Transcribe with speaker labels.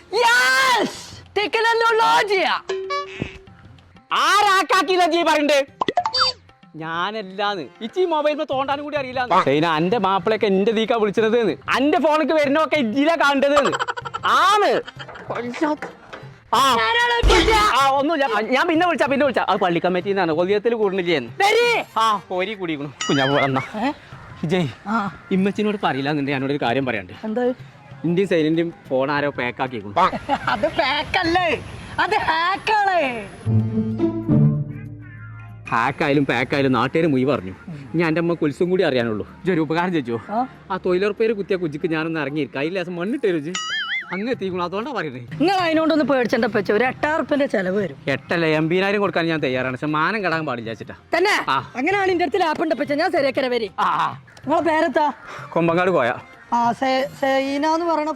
Speaker 1: ആരാക്കാക്കില്ല G പറയണ്ടേ ഞാനല്ലാന്ന് ഇച്ചി മൊബൈലിൽ തോണ്ടാനും കൂടി അറിയില്ല എന്റെ മാപ്പിളൊക്കെ എന്റെ ദീക്കാ വിളിച്ചത് എന്റെ ഫോണിക്ക് വരുന്നൊക്കെ ഇജ്ജിലാ കാണേണ്ടത് ആണ് ഒന്നുമില്ല ഞാൻ പിന്നെ വിളിച്ചാ അത് പള്ളി കമ്മിറ്റിന്നാണ് കൊല്ലിയത്തിൽ കൂടുന്നില്ലേ കോരി കൂടിക്കണു കുഞ്ഞാപ്പ് വന്നാ ജയ് ഇമ്മച്ചിനോട് പറയില്ല എന്നുണ്ട് ഞാനോടൊരു കാര്യം പറയാണ്ട്
Speaker 2: എന്താ
Speaker 1: ഇന്ത്യൻ സൈനിന്റെയും ഫോൺ ആരോ പാക്കാക്കിക്കണു
Speaker 2: അത് പാക്കല്ലേ അത് ഹാക്കാണ്
Speaker 1: ഹാക്കായാലും പാക്കായാലും നാട്ടുകാർ മുയി പറഞ്ഞു ഞാൻ എൻ്റെ അമ്മ കുൽസും കൂടി അറിയാനുള്ളൂ ഒരു ഉപകാരം ചോദിച്ചോ ആ തൊഴിലുറപ്പേര് കുത്തിയ കുജിക്ക് ഞാനൊന്ന് ഇറങ്ങിയിരിക്കും അതിൽ ലേസം മണ്ണിട്ട് രുചി അങ്ങ് എത്തിക്കണം അതുകൊണ്ടാണ് പറയുന്നത്
Speaker 2: നിങ്ങൾ അതിനോടൊന്ന് പേടിച്ചെന്റെ പച്ച ഒരു 8,000 ചെലവ് വരും
Speaker 1: 8 80,000 കൊടുക്കാൻ ഞാൻ തയ്യാറാണ് പക്ഷെ മാനം കടാൻ പാടില്ല വെച്ചിട്ടാ
Speaker 2: തന്നെ അങ്ങനെയാണ് എന്റെ അടുത്ത് ലാപ്പ് ഉണ്ട് പച്ച ഞാൻ ശരിയാക്കര വരി നിങ്ങളെ പേരെത്താ
Speaker 1: കൊമ്പങ്ങാട് പോയാ
Speaker 2: സൈന എന്ന് പറയണ